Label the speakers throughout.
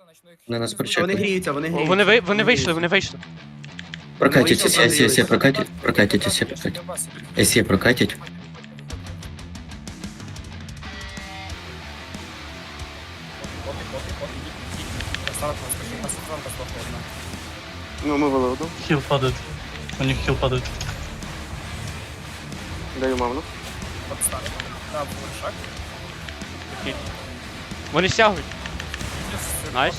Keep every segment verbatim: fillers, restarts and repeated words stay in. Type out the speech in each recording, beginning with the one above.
Speaker 1: На нас
Speaker 2: Вони
Speaker 1: прочекали.
Speaker 2: гріються, вони гріються.
Speaker 3: Вони, ви, вони вийшли, вони вийшли.
Speaker 1: Прокатитесь, СЕ, СЕ, прокатить, прокатитесь, СЕ, прокатить. СЕ, прокатить.
Speaker 4: Ну, ми вели одну.
Speaker 5: Хил падает. У них хил падает.
Speaker 4: Даю мамну.
Speaker 3: Окей. Вони стягують. Найс.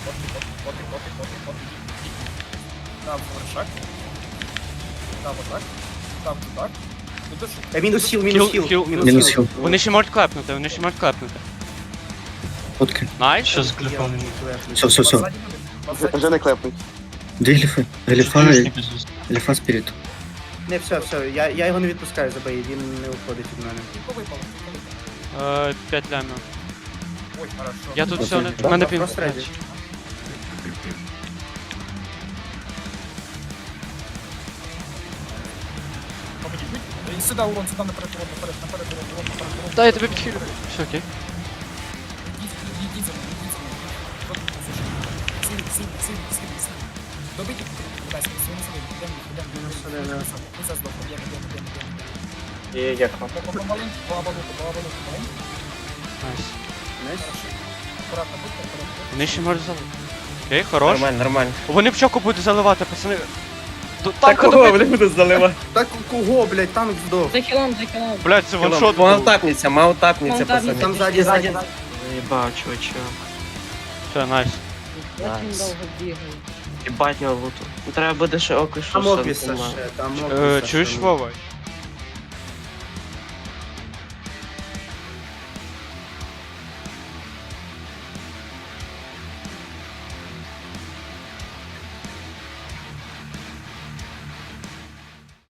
Speaker 2: Е, Мінус хіл, мінус
Speaker 3: Хіл,
Speaker 2: хіл.
Speaker 3: хіл,
Speaker 1: Мінус хіл.
Speaker 3: Вони ще можуть клепнути, вони ще можуть клепнути.
Speaker 1: Фотки.
Speaker 3: Найс.
Speaker 5: Сейчас глифа.
Speaker 1: Все, все, все.
Speaker 4: Вже не клепнуть.
Speaker 1: Дві гліфи. Гліфа і
Speaker 5: Союзники здесь.
Speaker 1: гліфа спірит.
Speaker 2: Не, все, все, я, я його не відпускаю за бої, він не уходить від мене.
Speaker 3: Е, П'ять лямів. Я тут
Speaker 1: Окей.
Speaker 3: все, не... в мене пін.
Speaker 2: Просто реді.
Speaker 6: Сюди, урон, сюди, наперед, урон, наперед, наперед, урон, урон, наперед, урон.
Speaker 3: Да, я тебе підхилю. Все, окей.
Speaker 6: Ідіть, ідіть за мною, ідіть за мною. Силі, силі, силі, силі, силі. Добийте, будь ласка, своїми силами, йдемо, йдемо, йдемо. Ми зараз здохнемо, йдемо, йдемо, йдемо, йдемо.
Speaker 4: І як там?
Speaker 6: Помаленьку, по оболоку, по оболоку, маленьку.
Speaker 3: Найс.
Speaker 2: Знаєш?
Speaker 6: Акуратно будьте, акуратно.
Speaker 3: Вони ще можуть залити. Окей, хорош.
Speaker 4: Нормально, нормально.
Speaker 3: Вони в чоку будуть заливати, пацани. Ду-
Speaker 4: Так
Speaker 3: Танка
Speaker 4: кого
Speaker 3: добити.
Speaker 4: вони будуть заливати?
Speaker 2: Так кого, блядь, танк здох.
Speaker 7: За хілом, за хілом.
Speaker 3: Блядь, це ваншот. був.
Speaker 4: Маунтапніться, маунтапніться,
Speaker 7: Маунтапніться.
Speaker 4: пацани.
Speaker 2: Там ззаді, ззаді.
Speaker 8: Ебать, чувачок.
Speaker 3: Все, найс.
Speaker 7: Очень
Speaker 8: Найс.
Speaker 7: довго бігаю.
Speaker 8: Ебать його луту. Ну, треба буде ще око, що
Speaker 2: Там
Speaker 8: сам
Speaker 2: обвіса
Speaker 8: помер.
Speaker 2: ще, там
Speaker 3: Е,
Speaker 2: обвіса.
Speaker 3: Чуєш,
Speaker 2: ще.
Speaker 3: Вова?